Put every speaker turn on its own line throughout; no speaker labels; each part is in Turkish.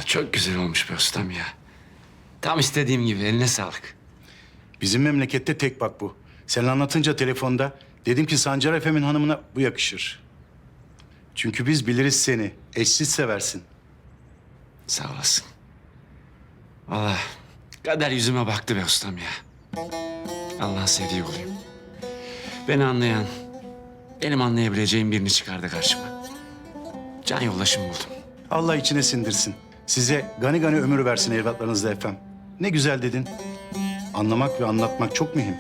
Çok güzel olmuş be ustam ya. Tam istediğim gibi, eline sağlık.
Bizim memlekette tek bak bu. Sen anlatınca telefonda dedim ki Sancar Efem'in hanımına bu yakışır. Çünkü biz biliriz seni. Eşsiz seversin.
Sağ olasın. Vallahi kader yüzüme baktı be ustam ya. Allah'ın sevdiği olayım. Beni anlayan, benim anlayabileceğim birini çıkardı karşıma. Can yoldaşım buldum.
Allah içine sindirsin. Size gani gani ömür versin evlatlarınızla efem. Ne güzel dedin. Anlamak ve anlatmak çok mühim.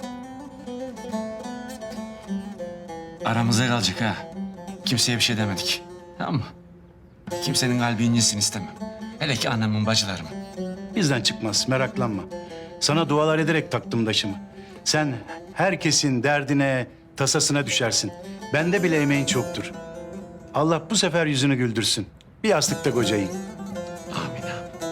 Aramıza kalacak ha. Kimseye bir şey demedik. Tamam mı? Kimsenin kalbi incinsin istemem. Hele ki anamın, bacılarımın.
Bizden çıkmaz, meraklanma. Sana dualar ederek taktım daşımı. Sen herkesin derdine, tasasına düşersin. Bende bile emeğin çoktur. Allah bu sefer yüzünü güldürsün. Bir yastıkta kocayın.
Amin abi.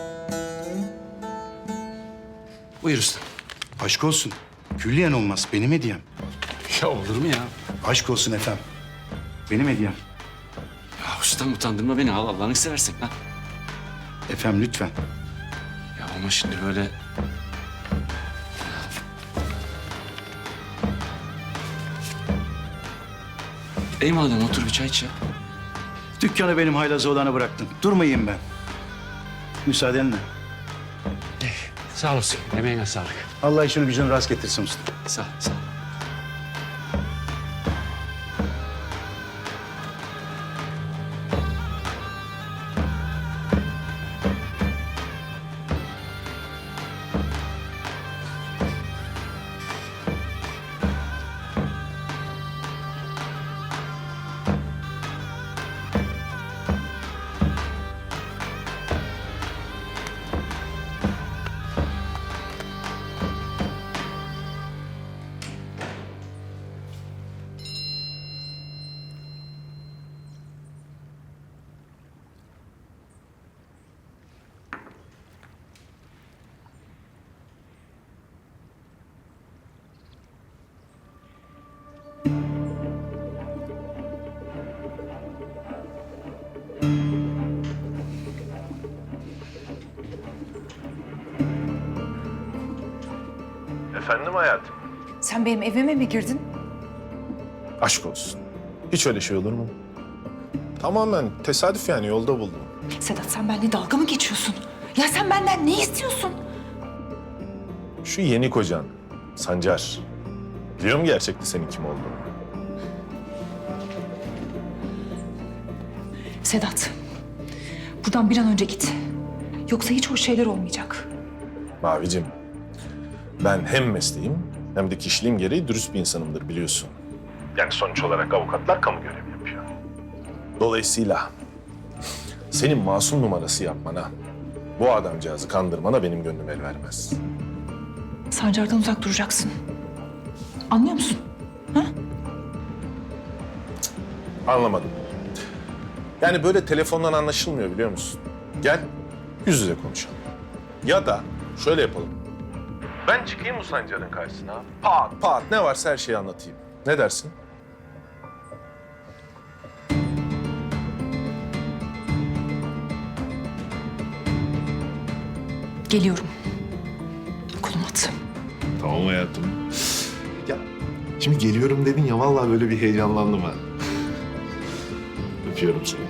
Buyur ustam.
Aşk olsun. Külliyen olmaz. Benim hediyem.
Ya olur mu ya?
Aşk olsun efem. Benim hediyem.
Ya ustam utandırma beni. Al Allah'ını seversen lan.
Efem lütfen.
Ya ama şimdi böyle... Ey madem otur bir çay iç ya.
Dükkanı benim haylazı olana bıraktın. Durmayayım ben. Müsaadenle.
Sağ olasın. Emeğine sağlık.
Allah işini gücünü rast getirsin usta.
Sağ ol, sağ ol.
Efendim hayatım?
Sen benim evime mi girdin?
Aşk olsun. Hiç öyle şey olur mu? Tamamen tesadüf yani yolda buldum.
Sedat sen benimle dalga mı geçiyorsun? Ya sen benden ne istiyorsun?
Şu yeni kocan, Sancar. Biliyor mu gerçekten senin kim olduğunu?
Sedat, buradan bir an önce git. Yoksa hiç hoş şeyler olmayacak.
Mavicim, ben hem mesleğim hem de kişiliğim gereği dürüst bir insanımdır biliyorsun. Yani sonuç olarak avukatlar kamu görevi yapıyor. Dolayısıyla senin masum numarası yapmana, bu adamcağızı kandırmana benim gönlüm el vermez.
Sancar'dan uzak duracaksın. Anlıyor musun? Ha?
Anlamadım. Yani böyle telefondan anlaşılmıyor biliyor musun? Gel yüz yüze konuşalım. Ya da şöyle yapalım. Ben çıkayım bu Sancar'ın karşısına. Pat pat ne varsa her şeyi anlatayım. Ne dersin?
Geliyorum. Kolum at.
Tamam hayatım. Ya şimdi geliyorum dedin ya vallahi böyle bir heyecanlandım ha. Öpüyorum seni.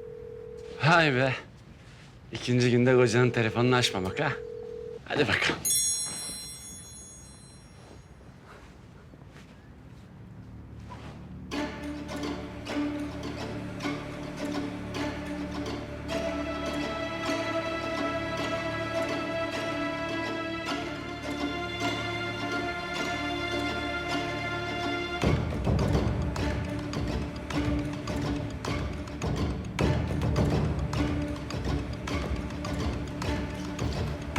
Hay be. İkinci günde kocanın telefonunu açmamak ha. Hadi bakalım.